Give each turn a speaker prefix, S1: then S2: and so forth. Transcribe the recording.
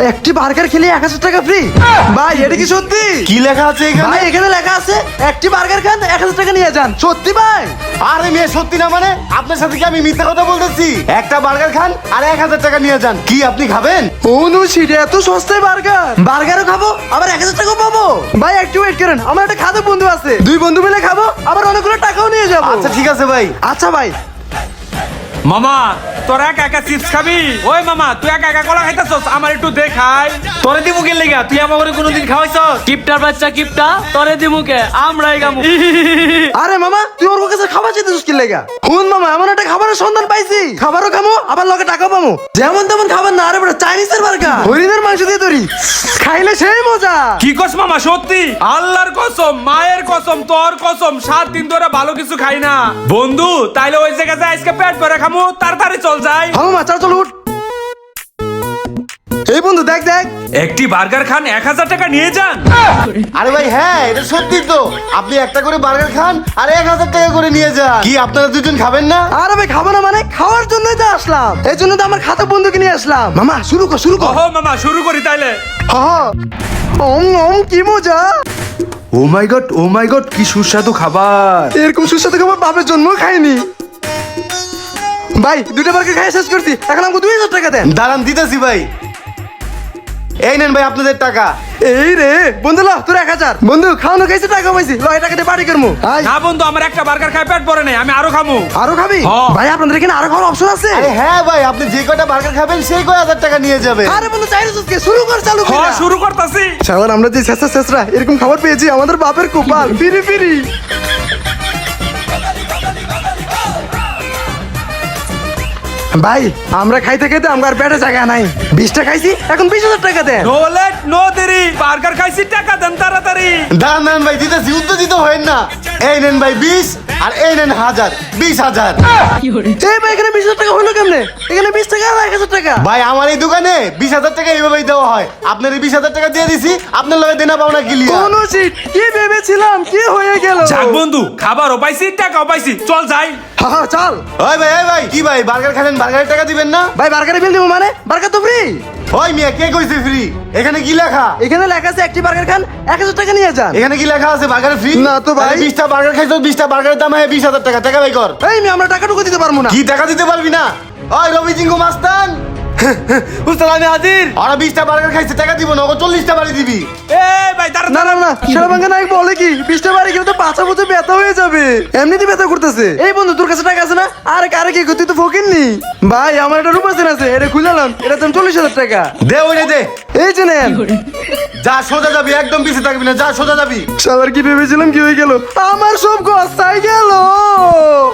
S1: একটি বার্গার খেলে 1000 টাকা ফ্রি। ভাই এটা কি সত্যি?
S2: কি লেখা আছে এখানে?
S1: ভাই এখানে লেখা আছে একটি বার্গার খান 1000 টাকা নিয়ে যান। সত্যি ভাই?
S2: আরে মেয়ে সত্যি না মানে আপনার সাথে কি আমি মিথ্যা কথা বলতেছি? একটা বার্গার খান আর 1000 টাকা নিয়ে যান। কি আপনি খাবেন?
S1: অনুশীল এত সস্তায় বার্গারও খাবো আবার 1000 টাকাও পাবো। ভাই একটু ওয়েট করেন, আমার একটা খাদক বন্ধু আছে, দুই বন্ধু মিলে খাবো আবার অনেকগুলো টাকাও নিয়ে যাবো।
S2: আচ্ছা ঠিক আছে ভাই।
S1: আচ্ছা ভাই।
S3: মামা তোরা একা একা চিপস খাবি? ওই মামা তুই একা একা কলা খাইতাছস, আমার একটু দেখাই। তোরে দিমু কে লাগা? তুই আমারে কোনোদিন খাওয়াইছস?
S4: কিপটার বাচ্চা কিপটা, তোরে দিমুকে আমরাই গামু।
S1: আরে মামা তুই ওর কাছে খাবার চাইতেছিস কি লাগা? হুন মামা এমন একটা খাবারের সন্ধান পাইছি, খাবারও খামো আবার লগে টাকাও পামো। যেমন তেমন খাবার না, আরে বড় চাইনিজের বার্গার, হরিণের মাংস দিয়ে তৈরি, খাইলে সেই মজা।
S3: কি কস মামা সত্যি? আল্লাহর কসম, মায়ের কসম, তোর কসম, 7 দিন ধরে ভালো কিছু খাই না বন্ধু। তাইলে ওই জায়গায় যাই, আজকে পেট ভরে খামু, তাড়াতাড়ি চল যাই।
S1: হ্যাঁ মামা চল উঠ। এই বন্ধু দেখ দেখ,
S3: একটি বার্গার খান 1000 টাকা নিয়ে যান।
S2: আরে ভাই হ্যাঁ এটা সত্যি তো। আপনি একটা করে বার্গার খান আর 1000 টাকা করে নিয়ে যান। কি আপনারা দুজন খাবেন না?
S1: আরে ভাই খাবো না মানে? খাওয়ার জন্যই তো আসলাম, এই জন্য তো আমার খাতা বন্ধুকে নিয়ে আসলাম। মামা শুরু কর শুরু কর।
S3: ওহো মামা শুরু করি তাইলে।
S1: হ্যাঁ কি মজা।
S3: ও মাই গড কি সুস্বাদু খাবার।
S1: এরকম সুস্বাদু খাবার বাপের জন্ম খাইনি। ভাই দুটো বার্গার খাই শেষ করছি, এখন আমাকে 2000 টাকা দেন।
S2: দাঁড়ান দিতেছি ভাই। এই নেন ভাই আপনাদের টাকা।
S1: এই রে বন্ধু ল তোর 1000। বন্ধু খাওয়ানো খাইছে টাকা পাইছি, ল এই টাকা দিয়ে বাড়ি করবো।
S3: না বন্ধু আমার একটা বার্গার খাই পেট ভরে নাই, আমি আরো খামু।
S1: আরো খাবি?
S3: হ্যাঁ।
S1: ভাই আপনাদের এখানে আরো খাওয়ার অপশন আছে?
S2: আরে হ্যাঁ ভাই আপনি যে কয়টা বার্গার খাবেন সেই কয় 1000 টাকা নিয়ে যাবেন।
S1: আরে বন্ধু চাইলে সুস্কে শুরু কর, চালু কর।
S3: হ্যাঁ শুরু করতাছি।
S1: শাওয়ার আমরা যে শেষরা এরকম খাবার পেয়েছি, আমাদের বাপের কপাল। ফিরি ফিরি। ভাই আমরা খাইতে খাইতে আমার পেটে জায়গা নাই, 20টা খাইছি এখন 20,000 টাকা দেন।
S3: নো লেট নো দেরি, বার্গার খাইছি টাকা দেন তাড়াতাড়ি।
S2: দাঁড়ান দাঁড়ান ভাই দিতেছি, উত্তেজিত হয়েন না। এই নেন ভাই 20 আর এই নেন 1000, 20,000।
S1: এই ভাই এখানে 20,000 টাকা হলো কেমনে? এখানে 20 টাকা আর 1000 টাকা।
S2: ভাই আমার এই দোকানে 20,000 টাকা এইভাবেই দেওয়া হয়। আপনার এই 20,000 টাকা দিয়ে দিছি, আপনার লগে দেনা পাওনা ক্লিয়ার।
S1: কোন সিট কি ভেবেছিলাম কি হয়ে গেল।
S3: যাক বন্ধু খাবারও পাইছি টাকাও পাইছি, চল যাই।
S1: হ্যাঁ চল।
S2: ওই ভাই কি ভাই বার্গার খাবেন, বার্গারের টাকা দিবেন না?
S1: ভাই বার্গারে বিল দিব মানে? বার্গার তো ফ্রি।
S2: ওই মিয়া কে কইছে ফ্রি? এখানে কি লেখা?
S1: এখানে লেখা আছে একটি বার্গার খান 1000 টাকা নিয়ে যান।
S2: এখানে কি লেখা আছে বার্গার ফ্রি?
S1: না তো ভাই।
S2: 20টা বার্গার খাইছো, 20টা বার্গারের দাম হয় 20,000 টাকা। টাকা ভাই কর।
S1: এই আমি আমরা টাকাটুকু দিতে পারবো না।
S2: কি টাকা দিতে পারবি না? ওই রবি জিঙ্গু মাস্তান
S1: উস্তাদ আমি হাজির।
S2: ওরা 20টা বার্গার খাইছে, টাকা দিব না, ওকে 40টা বাড়ি দিবি।
S3: এই ভাই
S1: না
S3: তাড়াতাড়ি।
S1: না না সেরা ভাঙ্গা নাই বলে কি 20টা বাড়ি গেলে তো পাঁচা বুঝে ব্যথা হয়ে যাবে, এমনিতে ব্যথা করতেছে। এই বন্ধু তোর কাছে টাকা আছে না? আরে কারে কি তুই তো ফকির নি। ভাই আমার একটা রূপ আছে, এটা খুলালাম, এটা দাম 40,000 টাকা।
S2: দে ওরে দে।
S1: এই যে নেন।
S2: যা সোজা যাবি, একদম পিছে থাকবি না, যা সোজা যাবি।
S1: সবার কি ভেবেছিলাম কি হয়ে গেল, আমার সব গসাই গেল।